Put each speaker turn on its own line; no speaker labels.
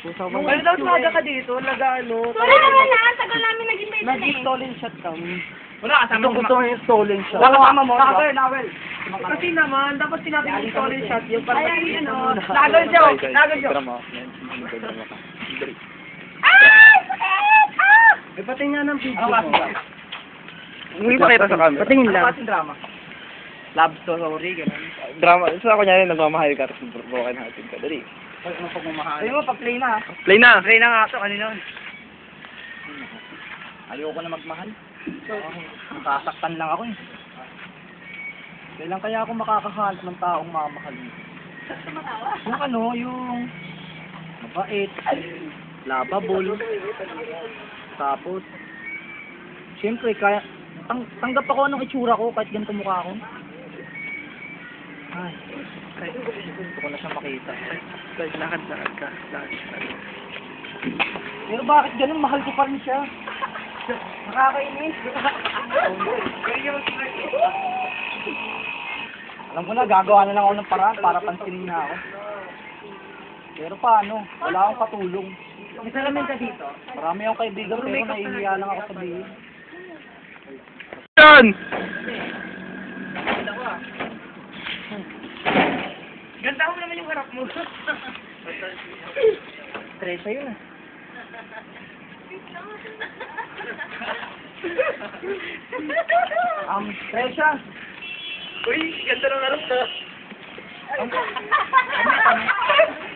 Ano daw tumaga ka dito? Nag-ano?
Sorry naman na, tagal namin naging may
Nag-stolen shot kami.
Wala, kasama ko.
Gusto mo yung stolen shot.
Wala kasama mo.
Nawel. Kasi naman, dapat sinabi yung stolen shot yung para
Ayan, ano.
Nagal siya. Nagal siya.
Ah! Sakit! Ah!
Eh, pati nga ng video
Ano
mo.
kasi?
Hindi makita sa camera.
Patingin lang.
Ano kasing drama? Love story, gano'n.
Drama. Sa ako niya nagmamahal ka tapos broken hearted ka. Dali.
Ano pagmamahal? Ayun mo, pag-play na ha.
Play na.
Play na nga ito, kanina. Ayoko na magmahal. Nasasaktan lang ako eh. Kailan kaya ako makakahanap ng taong mamahalin? Yung ano, yung mabait, lovable, tapos, siyempre, kaya, tanggap ako ng itsura ko kahit ganito mukha ko. Ay, gusto ko na siya makita.
Lakad ka.
Pero bakit ganun, mahal ko pa rin siya. Nakakainis. Alam ko na, gagawa na lang ako ng paraan para pansinin na ako. Pero paano? Wala akong katulong. May salamin ka dito? Marami akong kaibigan pero nahihiya lang ako sabihin.
Yan!
Ganda mo naman yung harap mo. Tresa yun ah. Tresa!
Uy, ganda ng harap na.